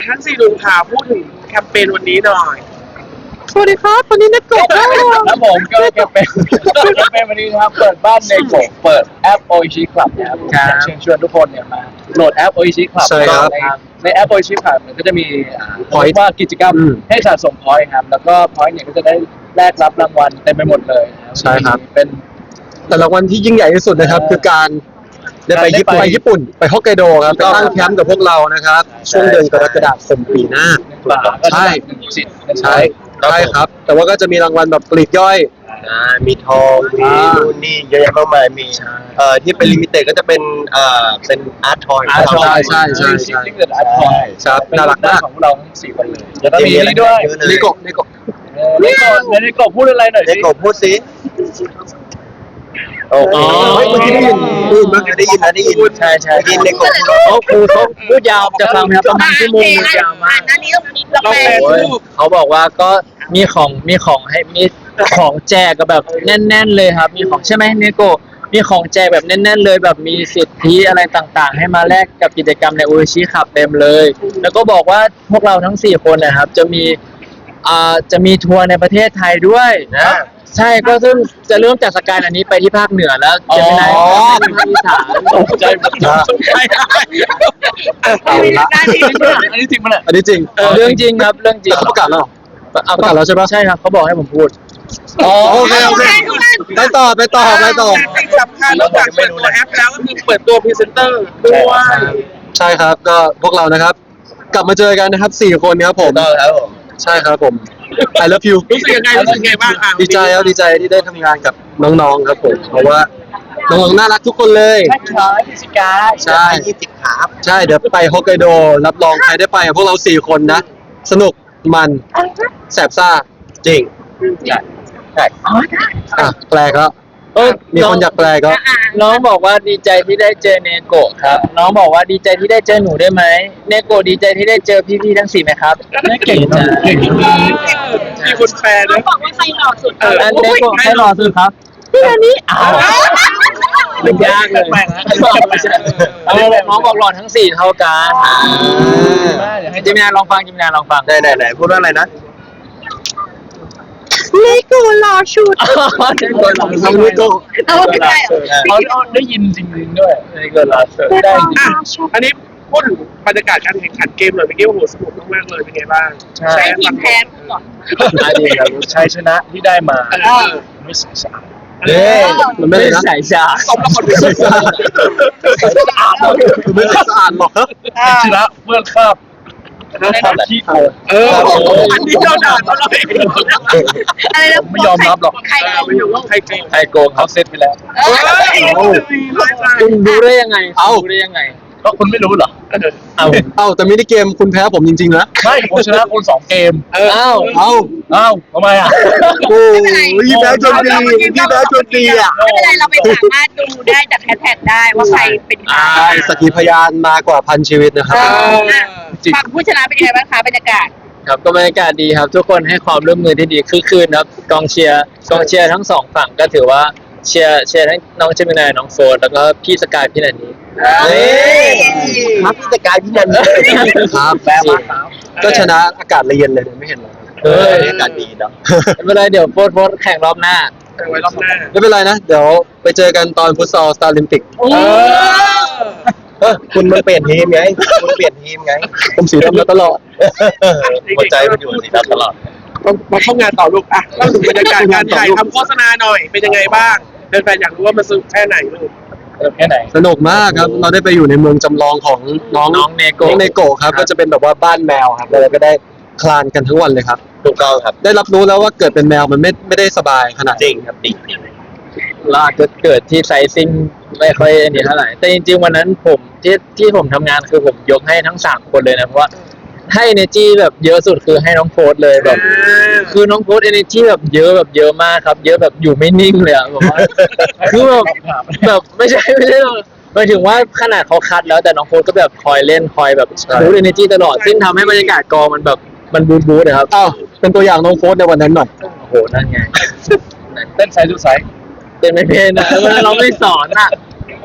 ทั้งสี่ลุงค่ะพูดถึงแคมเปญวันนี้หน่อยสวัสดีครับวันนี้นักกบครับผมก็แคมเปญวันนี้นะครับเปิดบ้านในโกะเปิดแอปโอชิคลับนะครับเชิญชวนทุกคนเนี่ยมาโหลดแอปโอชิคลับในแอปโอชิคลับมันก็จะมีพอยต์ว่ากิจกรรมให้สะสมพอยต์ครับแล้วก็พอยต์เนี่ยก็จะได้แลกรับรางวัลเต็มไปหมดเลยใช่ครับเป็นแต่รางวัลที่ยิ่งใหญ่ที่สุดนะครับคือการได้ไปญี่ปุ่นไปฮอกไกโดครับไปตั้งแคมป์กับพวกเรานะครับช่วงเดือนกรกฎาคมปีหน้าใช่ครับแต่ว่าก็จะมีรางวัลแบบปลีกย่อยมีทองมีนู่นนี่เยอะแยะมากมายมีที่เป็นลิมิเต็ดก็จะเป็นเป็นอาร์ตทอยใช่ที่เกิดอาร์ตทอยครับน่ารักมากของเราทั้ง4คนเลยแล้วก็มีนี่ด้วยนิโกพูดอะไรหน่อยนิโกพูดสิโอ้โหเมื่อกี้ได้ยินใช่ยินนิโกครูเขาพูดยาวจะฟังครับประมาณชั่วโมงยาวมากเราแปลเขาบอกว่าก็มีของให้มีของแจกก็แบบแน่นๆเลยครับมีของใช่ไหมเนโกมีของแจกแบบแน่นๆเลยแบบมีสิทธิอะไรต่างๆให้มาแลกกับกิจกรรมในโอชิขับเต็มเลยแล้วก็บอกว่าพวกเราทั้ง4คนนะครับจะมีทัวร์ในประเทศไทยด้วยนะใช่ก็ซึ่งจะเริ่มจากสกายอันนี้ไปที่ภาคเหนือแล้วจะไปไหนภาคอีสานตกใจหมดอันนี้จริงมั้ยอันนี้จริงเรื่องจริงครับเรื่องจริงประกาศแล้วใช่ปะใช่ครับเขาบอกให้ผมพูดโอเคไปต่อสิ่งสำคัญนอกจากเปิดตัวแอปแล้วก็คือเปิดตัวพรีเซนเตอร์ด้วยใช่ครับก็พวกเรานะครับกลับมาเจอกันนะครับ4คนครับผมใช่ครับผม I love you รู้สึกยังไงบ้างดีใจที่ได้ทำงานกับน้องๆครับผมเพราะว่าน้องๆน่ารักทุกคนเลยใช่ครับใช่เดี๋ยวไปฮอกไกโดรับรองใครได้ไปพวกเรา4คนนะสนุกมันแสบซ่าจริงใช่แปลก็มีคนอยากแปลก็น้องบอกว่าดีใจที่ได้เจอเนโกะครับน้องบอกว่าดีใจที่ได้เจอหนูได้ไหมเนโกะดีใจที่ได้เจอพี่ๆทั้ง4ไหมครับเก่งจังมีคนแปลนะบอกว่าใครหล่อสุดเนโกะใครหล่อสุดครับพี่อันนี้มันยากเลยน้องบอกหล่อทั้ง4เท่ากันให้จิมนาลองฟังไหนพูดว่าอะไรนะเลโก้หล่อชุดเขาได้ยินจริงๆด้วยเลโก้หล่อชุดได้อันนี้พูดถึงบรรยากาศการแข่งขันเกมหน่อยเมื่อกี้โอ้โหสนุกมากเลยเป็นไงบ้างใช่ทีมแพ้ก่อนชัยชนะที่ได้มาไม่ใส่สารมันไม่ใส่สารตบแล้วคนไม่ใส่สารไม่ใส่สารหรอกชนะเมื่อคาบขี้โกงอันนี้เราด่าเราเลยอะไรนะไม่ยอมรับหรอกใครโกงเขาเซตไปแล้วคุณรู้ได้ยังไงก็คุณไม่รู้เหรอแต่มินิเกมคุณแพ้ผมจริงๆนะไม่ผมชนะคุณ2เกมทำไมอ่ะพี่แพ้จนดีไม่เป็นไรเราไปสามารถดูได้จากแฮชแท็กได้ว่าใครเป็นใครสักขีพยานมากว่า1,000 ชีวิตนะครับฝั่งผู้ชนะเป็นยังไงบ้างคะบรรยากาศครับก็บรรยากาศดีครับทุกคนให้ความร่วมมือที่ดีคือคืนครับกองเชียร์ทั้ง2ฝั่งก็ถือว่าเชียร์ทั้งน้องเจมินายน้องโฟนแล้วก็พี่สกายพี่นันนี่ครับพี่สกายพี่นันนี่ครับแปลว่าก็ชนะอากาศเย็นเลยไม่เห็นเลยอากาศดีเนาะไม่เป็นไรเดี๋ยวโฟนแข่งรอบหน้าไม่เป็นไรนะเดี๋ยวไปเจอกันตอนฟุตซอลสตาร์ลิมปิกคุณมันเปลี่ยนทีมไงผมสีดำมาตลอดหัวใจมันอยู่สีดำตลอดมาเข้างานต่อลูกเล่าถึงบรรยากาศการถ่ายทำโฆษณาหน่อยเป็นยังไงบ้างแฟนๆอยากรู้ว่ามันสนุกแค่ไหนลูกสนุกมากครับเราได้ไปอยู่ในเมืองจำลองของน้องเนโกะครับก็จะเป็นแบบว่าบ้านแมวครับเราก็ได้คลานกันทั้งวันเลยครับถูกต้องครับได้รับรู้แล้วว่าเกิดเป็นแมวมันไม่ได้สบายขนาดจริงครับจริงเราอาจจะเกิดที่ไซซิ่งไม่ค่อยเท่าไหร่แต่จริงๆวันนั้นผมที่ผมทำงานคือผมยกให้ทั้ง3คนเลยนะเพราะว่าให้ energy แบบเยอะสุดคือให้น้องโฟร์เลยแบบคือน้องโฟร์ energy แบบเยอะมากครับเยอะแบบอยู่ไม่นิ่งเลยอ่ะแบบว่าคือแบบไม่ใช่หมายถึงว่าขนาดเขาคัดแล้วแต่น้องโฟร์ก็แบบคอยเล่นคอยแบบบูสต์ energy ตลอดซึ่งทำให้บรรยากาศกองมันแบบมันบูสต์นะครับเป็นตัวอย่างน้องโฟร์ในวันนั้นหน่อยโอ้โหนั่นไงเต้นไซส์ดูไซส์เต้นไม่เป็นนะเราไม่สอนอ่ะ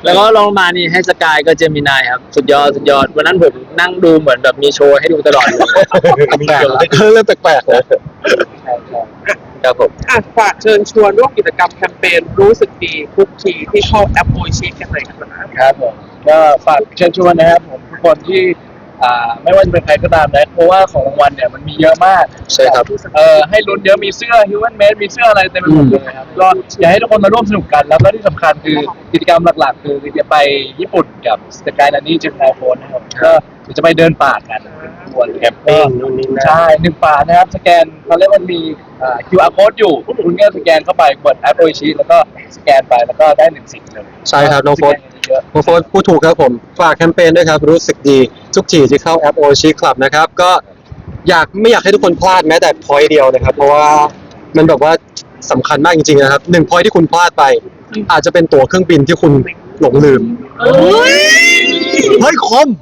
แล้วก็ลองมานี่ให้สกายก็เจมินายครับสุดยอดสุดยอดวันนั้นผมนั่งดูเหมือนแบบมีโชว์ให้ดูตลอดเลยแปลกๆเริ่มแปลกๆแล้วครับผมฝากเชิญชวนร่วมกิจกรรมแคมเปญรู้สึกดีทุกทีที่เข้าแอปโอชิกันหน่อยครับครับผมก็ฝากเชิญชวนนะครับผมทุกคนที่ไม่ว่าจะเป็นใครก็ตามนะเพราะว่าของรางวัลเนี่ยมันมีเยอะมากใช่ครับให้ลุ้นเยอะมีเสื้อ Human Made มีเสื้ออะไรเต็มไปหมดเลยครับก็อยากให้ทุกคนมาร่วมสนุกกันแล้วก็ที่สำคัญคือกิจกรรมหลักๆคือจะไปญี่ปุ่นกับสกายนันนี่เจมินายโฟนนะครับก็จะไปเดินป่ากันเป็นขบวนแคมปิ้งนู่นนี่นั่นใช่1ป่านะครับสแกนเขาเรียกว่ามีQR code อยู่คุณก็สแกนเข้าไปกดแอปโอชิแล้วก็สแกนไปแล้วก็ได้1 สิ่งเลยใช่ครับน้องโฟสน้องโฟสพูดถูกครับผมฝากแคมเปญด้วยครับรู้สึกดีทุกทีที่เข้าแอปโอชิคลับนะครับก็ไม่อยากให้ทุกคนพลาดแม้แต่พอยต์เดียวนะครับเพราะว่ามันแบบว่าสำคัญมากจริงๆนะครับ1 พอยต์ที่คุณพลาดไป อาจจะเป็นตั๋วเครื่องบินที่คุณหลงลืมเฮ้ยคม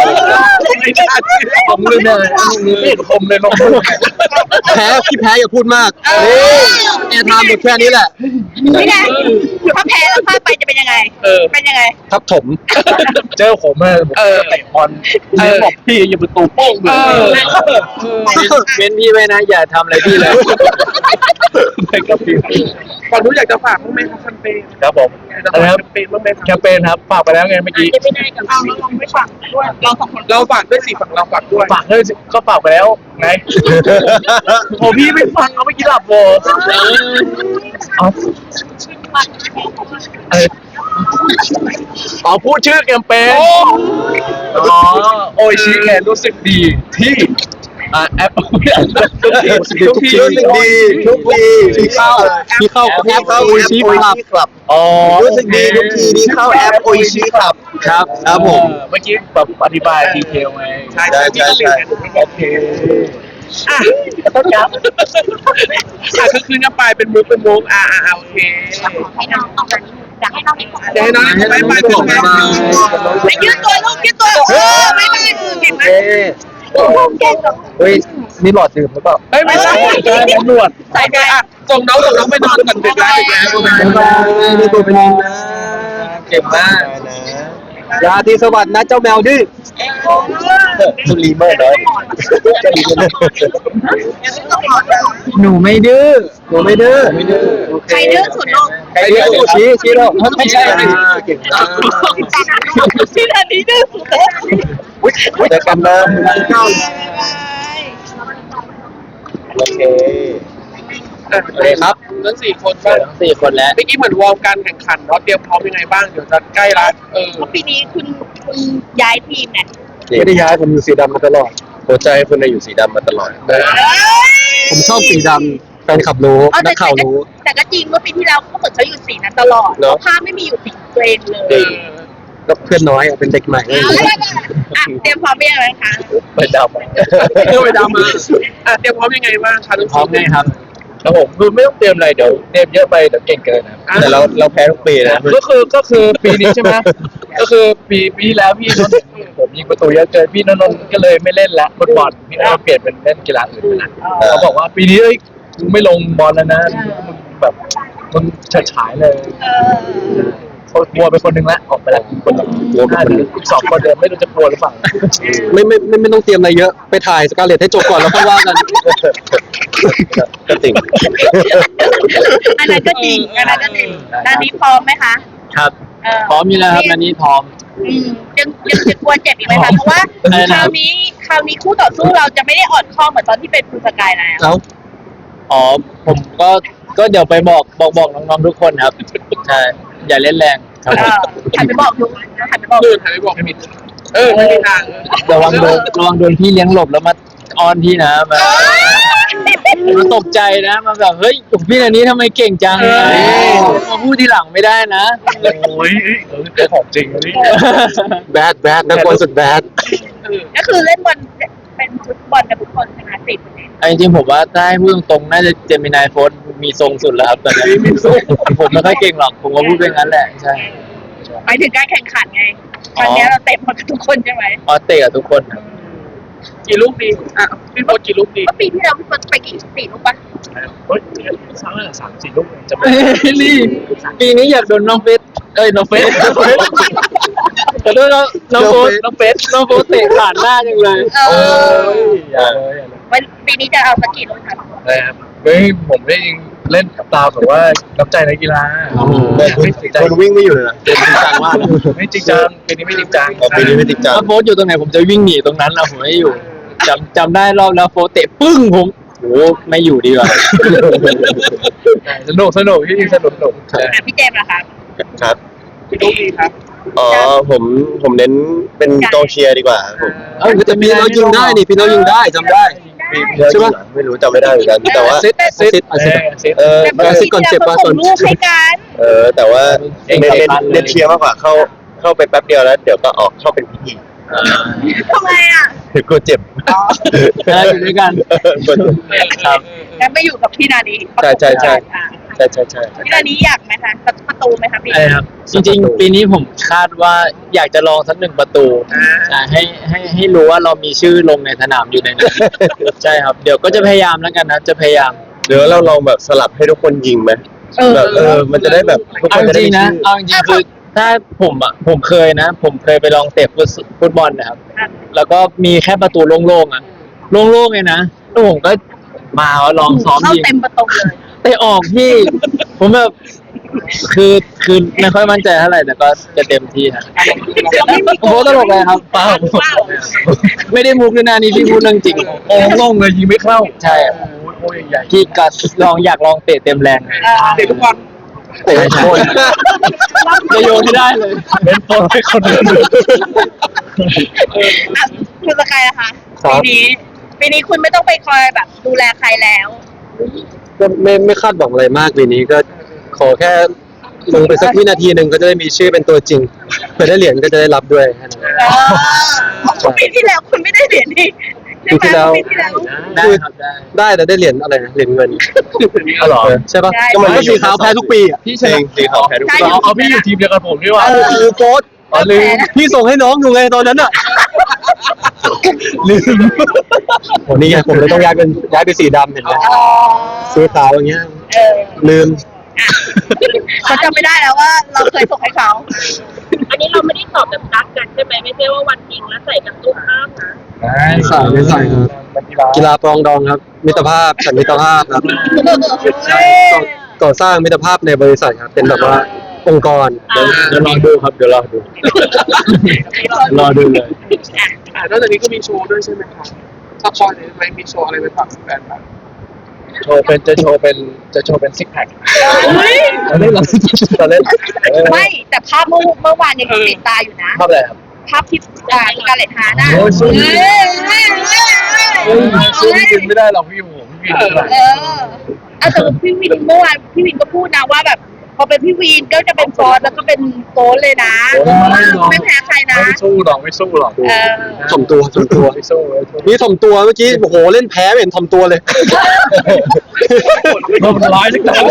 ผมลืมเลยผมเลยลงมือแพ้พี่แพ้อย่าพูดมากแอร์ไทม์หมดแค่นี้แหละไม่ได้ถ้าแพ้แล้วพลาดไปจะเป็นยังไงเป็นยังไงทับถมเจอผมผมเตะบอลบอกพี่อย่าประตูโป้งเลยเว้นพี่ไว้นะอย่าทำอะไรพี่เลยกับพี่ก่อนรู้อยากจะฝากบ้างไหมครับแคมเปญครับผมจะฝากแคมเปญบ้างไหมแคมเปญครับฝากไปแล้วไงเมื่อกี้จะไม่ได้กับเราลองไม่ฝากด้วยเราสองคนเราฝากด้วยสิฝั่งเราฝากด้วยฝากเลยก็ฝากไปแล้วไงโอ้พี่ไม่ฟังเอาเมื่อกี้หลับโว้พูดชื่อแคมเปญโอชิแคนรู้สึกดีที่แอปทุกทีที่เข้าแอปโอชิคลับรู้สึกดีทุกทีที่เข้าแอปโอชิครับครับผมเมื่อกี้แบบอธิบายดีเทลไงใช่โอเคต้องย้ำคือคืนกันไปเป็นมุกโอเคให้น้องออกมาอยากให้น้องนี่จะให้น้องไปไปยืดตัวลูกยืดตัวไม่เก่งมากเก่งเฮ้ยนี่หลอดดื่มหรือเปล่าเฮ้ยไม่ใช่ตำรวจใส่ไปส่งน้องไปนอนก่อนดึกแล้วนี่ตัวเป็นนะเก่งมากยาที่สวัสดิ์นะเจ้าแมวดื้อสุรีเมอร์น้อยหนูไม่ดื้อใครดื้อสุดลูกใครดื้อชี้เราไม่ใช่เก่งนะที่อันนี้ดื้อสุดเลยเจอกันนะโอเคครับทั้ง4 คนบ้างทั้ง4 คนแล้วเมื่อกี้เหมือนวอร์มการแข่งขันเนาะเตรียมพร้อมยังไงบ้างเดี๋ยวจะใกล้ละปีนี้คุณย้ายทีมเนี่ยไม่ได้ย้ายผมอยู่สีดำมาตลอดหัวใจคุณอยู่สีดำมาตลอดผมชอบสีดำแฟนคลับรู้นักข่าวรู้แต่ก็จริงเมื่อปีที่แล้วเขาเหมือนเขาอยู่สีนั้นตลอดภาพไม่มีอยู่สีตัวเองเลยก็เพื่อนน้อยเป็นเด็กใหม่เตรียมพร้อมยังไงคะไปดำไปดำมาเตรียมพร้อมยังไงบ้างคะทั้งพร้อมไงครับครับผมคือไม่ต้องเตรียมอะไรเดี๋ยวเตรียมเยอะไปเดี๋ยวเก่งเกินนะแต่เราแพ้ทุกปีนะก็คือปีนี้ใช่ไหมก็คือปีที่แล้วพี่นนท์เห็นผมยิงประตูเยอะเกินพี่นนท์ก็เลยไม่เล่นละฟุตบอลพี่นนท์เปลี่ยนเป็นเล่นกีฬาอื่นไปละเขาบอกว่าปีนี้เอ้ยมึงไม่ลงบอลแล้วนะมึงแบบมึงฉายเลยกลัวไปคนหนึ่งละออกไปละคนหนึ่งกลัวไปคนหนึ่ง2 คนเดิมไม่รู้จะกลัวหรือเปล่าไม่ต้องเตรียมอะไรเยอะไปถ่ายสกาเลตให้จบก่อนแล้วค่อยว่ากันก็จริงอันนั้นก็จริงด้านนี้พร้อมไหมคะครับพร้อมอยู่แล้วครับอันนี้พร้อมยังจะกลัวเจ็บอีกไหมคะเพราะว่าคราวนี้คู่ต่อสู้เราจะไม่ได้อ่อนข้อเหมือนตอนที่เป็นคุณสกายแล้วอ๋อผมก็เดี๋ยวไปบอกน้องๆทุกคนครับใช่อย่าเล่นแรงครับหันไปบอกดูหันไปบอกตื่นหายไปบอกไม่มีทางระวังโดนพี่เลี้ยงหลบแล้วมาออนพี่นะมาตกใจนะมาแบบเฮ้ยพี่อันนี้ทำไมเก่งจังมาพูดทีหลังไม่ได้นะโอ้ยเป็นของจริงนี่แบดนักบอลสุดแบดก็คือเล่นบอลเป็นฟุตบอลกับทุกคนชนะ10% จริงๆผมว่าถ้าให้พูดตรงๆน่าจะเจมินายโฟนมีทรงสุดแล้วครับตอนนี้ผมไม่ค่อยเก่งหรอกผมก็พูดเป็นงั้นแหละใช่หมายถึงการแข่งขันไงครั้งนี้เราเตะบอลกับทุกคนใช่ไหมเตะกับทุกคนกี่ลูกดีพี่โพสกี่ลูกดีเมื่อปีที่แล้วพี่เฟิร์สไปกี่4 ลูกปะเฮ้ย3-4 ลูกจะไม่รีบปีนี้อยากโดนน้องเฟสน้องเฟสขอโทษน้องโฟสน้องโฟสเตะผ่านหน้าจังเลยอย่าเลยวันปีนี้จะเอาสักกี่ลูกคะนะครับเฮ้ยผมได้เล่นตามแบบว่าน้ำใจนักกีฬาไม่จริงจังคนวิ่งไม่อยู่เลยนะจริงจังมากไม่จริงจังปีนี้ไม่จริงจังปีนี้ไม่จริงจังถ้าโฟสอยู่ตรงไหนผมจะวิ่งหนีตรงนั้นนะผมไม่อยู่จำได้รอบแล้วโฟสเตะปึ้งผมโหไม่อยู่ดีกว่าสนุกที่จริงสนุกพี่เจมส์นะคะครับกี่ลูกดีครับอ๋อผมเน้นเป็นกองเชียร์ดีกว่าผมแต่ปีเรายิงได้นี่ปีเรายิงได้จำได้ ใช่ปะไม่รู้จำไม่ได้เหมือนกันแต่ว่าซิดเออแต่เมื่อปีที่แล้วเขาส่งลูกให้กันแต่ว่าเน้นเชียร์มากกว่าเข้าไปแป๊บเดียวแล้วเดี๋ยวก็ออกเข้าเป็นพิธีทำไมอ่ะเดี๋ยวกลัวเจ็บได้อยู่ด้วยกันกลัวเจ็บครับแล้วไปอยู่กับพี่นาดีใช่ใช่พี่นาดีอยากไหมคะประตูไหมคะพี่ใช่ครับจริงๆปีนี้ผมคาดว่าอยากจะลองสัก1 ประตูใช่ให้รู้ว่าเรามีชื่อลงในสนามอยู่ในนั้นใช่ครับเดี๋ยวก็จะพยายามแล้วกันนะจะพยายามเดี๋ยวเราลองแบบสลับให้ทุกคนยิงไหมแบบมันจะได้แบบทุกคเอานจจะได้ริงมีๆนะชื่อเอาจริงๆคือถ้าผมเคยไปลองเตะฟุตบอลนะครับ แล้วก็มีแค่ประตูโล่งๆอ่ะโล่งๆเลยนะแล้วผมก็มาลองซ้อมเข้ายิงเต็มประตูเลยเตะออกพี่ ผมแบบคือไม่ค่อยมั่นใจเท่าไหร่แต่ก็จะเต็มที่ครับโอ้โหตลกเลยครับเปล่าไม่ได้มุกด้วยนะนี่พี่พูดเรื่องจริงโล่งเลยยิงไม่เข้าใช่โอ้ยใหญ่พี่ก็อยากลองเตะเต็มแรงเตะทุกวันเตะโคนจะโยนไม่ได้เลยเป็นตัวให้คนอื่นคุณสกายนะคะปีนี้คุณไม่ต้องไปคอยแบบดูแลใครแล้วก็ไม่คาดหวังอะไรมากปีนี้ก็ขอแค่ลงไปสักวินาทีหนึ่งก็จะได้มีชื่อเป็นตัวจริงเพื่อได้เหรียญก็จะได้รับด้วยแค่นั้นปีที่แล้วคุณไม่ได้เหรียญนี่ปีที่แล้วปีที่แล้วได้ครับได้ได้แต่ได้เหรียญอะไรนะเหรียญเงินอ๋อเหรอใช่ปะได้ก็มันก็สีขาวแพ้ทุกปีอ่ะพี่ชจรินะงสีขาวแพ้ทุกคนเอาพี่อยู่ทีมเดียวกันผมนี่หว่าคือโค้ดอ๋อลืมพี่ส่งให้น้องอยู่ไงตอนนั้นอ่ะลืมโหนี่ไงผมเลยต้องย้ายไปสีดำเห็นไหมสีขาวอย่างเงี้ยลืมเขาจำไม่ได้แล้วว่าเราเคยส่งให้เขาอันนี้เราไม่ได้ตอบแบบรักกันใช่ไหมไม่ใช่ว่าวันจริงแล้วใส่กันตู้ข้ามนะไม่ใส่ครับกีฬาปรองดองครับ มิตรภาพสันมิตรภาพครับใช่ก่อสร้างมิตรภาพในบริษัทครับเป็นแบบว่าองค์กรเดี๋ยวรอดูครับเดี๋ยวรอดูเลยนอกจากนี้ก็มีโชว์ด้วยใช่ไหมครับถ้าพอเนี่ยไหมมีโชว์อะไรไปฝากแฟนบ้างจะโชว์เป็นซิกแพคเราเล่นไม่แต่ภาพเมื่อวานยังติดตาอยู่นะภาพอะไรครับภาพที่การเลตฮาร์น่ะโอ้ยสู้เฮ้ยสู้พี่วินไม่ได้หรอกพี่ผมพี่วินเท่าไหร่แต่พี่วินเมื่อวานพี่วินก็พูดนะว่าแบบพอเป็นพี่วินก็จะเป็นฟอสแล้วก็เป็นโฟสเลยนะไม่แพ้ใครนะไม่สู้หรอกถ่อมตัวไม่สู้นี่ถ่อมตัวเมื่อกี้โอ้โหเล่นแพ้ไม่เห็นถ่อมตัวเลยมันร้ายจังเลย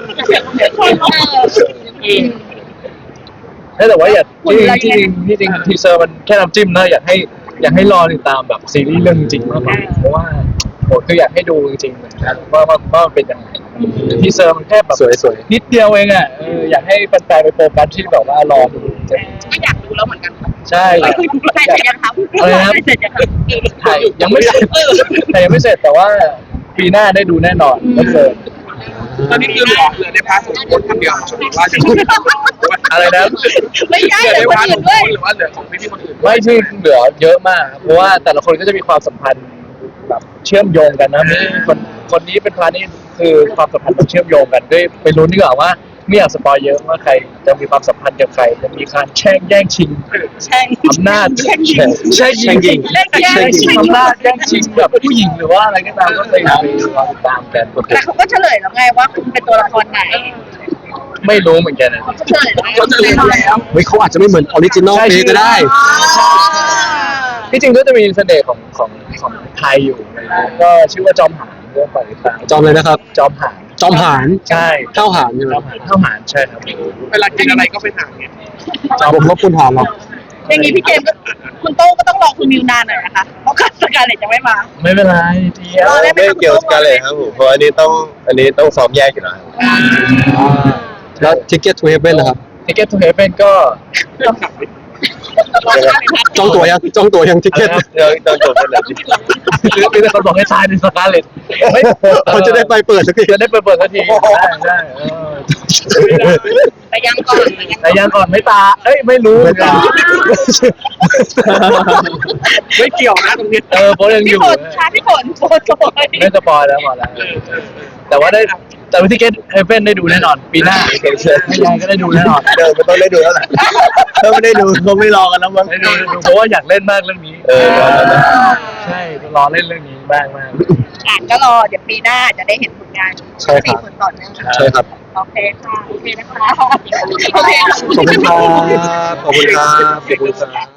แต่ว่าอยากที่จริงทีเซอร์มันแค่น้ำจิ้มนะอยากให้รอติดตามแบบซีรีส์เรื่องจริงมากกว่าเพราะว่าโหคืออยากให้ดูจริงๆเหมือนกันว่าเป็นยังไงทีเซอร์มันแค่แบบสวยนิดเดียวเองอ่ะอยากให้แฟนๆไปโฟกัสที่แบบว่ารอดูไม่อยากดูแล้วเหมือนกันใช่ใช่เสร็จยังครับเสร็จยังครับถ่ายยังไม่เสร็จแต่ว่าปีหน้าได้ดูแน่นอนแล้วเจอตอนนี้คือเหลือในพาร์ทของโค้ชคนเดียวหรือว่าจะอะไรนะไม่ใช่เหลือเดี๋ในยวคนพาร์ทขอื่อน งด้วยโค้ชหรือว่าเหลือของพี่คนอื่นไม่ใช่เหลือเยอะมากครับเพราะว่าแต่ละคนก็จะมีความสัมพันธ์แบบเชื่อมโยงกันนะมีคนนี้เป็นพาร์ทนี้คือความสัมพันธ์แบบเชื่อมโยงกันด้วยไปรู้ดีกว่าว่าไม่อยากสปอยเยอะว่าใครจะมีความสัมพันธ์กับใครจะมีการแย่งชิงใช่อำนาจแย่งชิงอำนาจแย่งชิงแบบผู้หญิงหรือว่าอะไรก็ตามก็ไปรอติดตามกันแต่เขาก็เฉลยแล้วไงว่าคุณเป็นตัวละครไหนไม่รู้เหมือนกันนะเขาเฉลยเขาจะเรียนแล้วเฮ้ยเขาอาจจะไม่เหมือนออริจินอลเพลงก็ได้ที่จริงก็จะมีเสน่ห์ของไทยอยู่ก็ชื่อว่าจอมหานเรื่องปล่อยตามจอมเลยนะครับจอมหานจอมหานใช่เท่าหานใช่ไหมเท่าหารใช่ครับเวลากินอะไรก็ไปหาเนี่ยผมว่าคุณหานหรอกอย่างนี้พี่เจมส์คุณโต้งก็ต้องรอคุณมิวนานหน่อยนะคะเพราะการสกาเลตจะไม่มาไม่เป็นไรเดียวไม่เกี่ยวกันเลยครับผมเพราะอันนี้ต้องซ้อมแยกอยู่แล้วครับแล้ว Ticket to Heaven นะครับ Ticket to Heaven ก็จองตั๋วยัง Ticket เดี๋ยวต้องจบกันเลยมีแต่คนบอกให้ตายในสกาเลตไม่เขาจะได้ไปเปิดสักทีจะได้เปิดสักทีใช่แต่ยังก่อนแต่ยังก่อนไม่ตาไม่รู้ไม่เกี่ยวนะตรงนี้โพสยังอพี่ยู่ฝนค่ะพี่ฝนโฟนโอยไม่สปอยแล้วพอแล้วแต่ว่าแต่วิธีเกตเฮเว่นได้ดูแน่นอนปีหน้าไม่ยังก็ได้ดูแน่นอนเดี๋ยวมันต้องได้ดูแล้วแหละถ้าไม่ได้ดูคงไม่รอกันแล้วมั้งได้ดูเพราะว่าอยากเล่นมากเรื่องนี้ใช่รอเล่นเรื่องนี้บ้างมากก็รอเดี๋ยวปีหน้าจะได้เห็นผลงานใช่ครับ 4 คนต่อเนื่องใช่ครับโอเคค่ะโอเคนะคะโอเคขอบคุณครับขอบคุณครับ